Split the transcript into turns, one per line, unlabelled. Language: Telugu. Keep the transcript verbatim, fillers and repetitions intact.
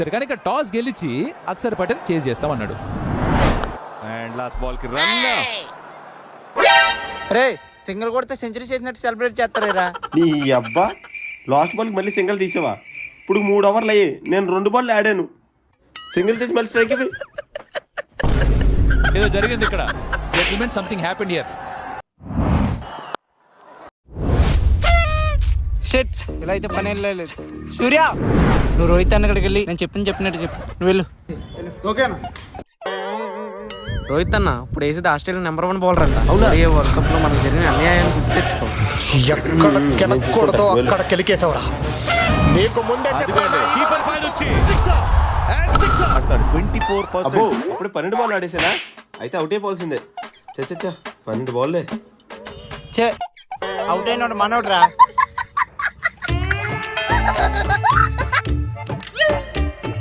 కానీ ఇక్కడ టాస్ గెలిచి అక్షర్ పటేల్ చేజ్ చేస్తామన్నాడు.
అండ్ లాస్ట్ బాల్ కి రన్.
రే సింగిల్ కొడితే సెంచరీ చేసినట్టు సెలబ్రేట్ చేస్తారా?
నీ అబ్బా లాస్ట్ బాల్కి మళ్ళీ సింగిల్ తీసావా? ఇప్పుడు మూడు ఓవర్లు అయ్యి నేను రెండు బాల్ ఆడాను, సింగిల్ తీసి మళ్ళీ స్ట్రైక్ ఇవి.
ఏదో జరిగింది ఇక్కడ. Gentlemen, something happened here.
Shit, ఇలా అయితే పని లేదు. సూర్య, నువ్వు రోహిత్ అన్న అక్కడికి వెళ్ళి నేను చెప్పింది చెప్పినట్టు చెప్పు. నువ్వు వెళ్ళు. ఓకేనా? రోహిత్ అన్న ఇప్పుడు వేసేది ఆస్ట్రేలియా నెంబర్ వన్ బౌలర్ అంట. ఏ వరల్డ్ కప్ లో మనకు జరిగిన అన్యాయాన్ని గుర్తు తెచ్చుకో.
ఎక్కడ కెలకూడదో అక్కడ కెలికేసావురా. నీకు ముందే చెప్పాను.
కీపర్ పైన వచ్చి ఆడతాడు. ట్వంటీ ఫోర్
అబ్బో
పర్సెంట్.
అప్పుడు పన్నెండు బాల్ ఆడేసానా? అయితే అవుట్ అయిపోవాల్సిందే. చచ్చా పన్నెండు బాల్లే.
చే అవుట్ అయినోడు మనోడు రా.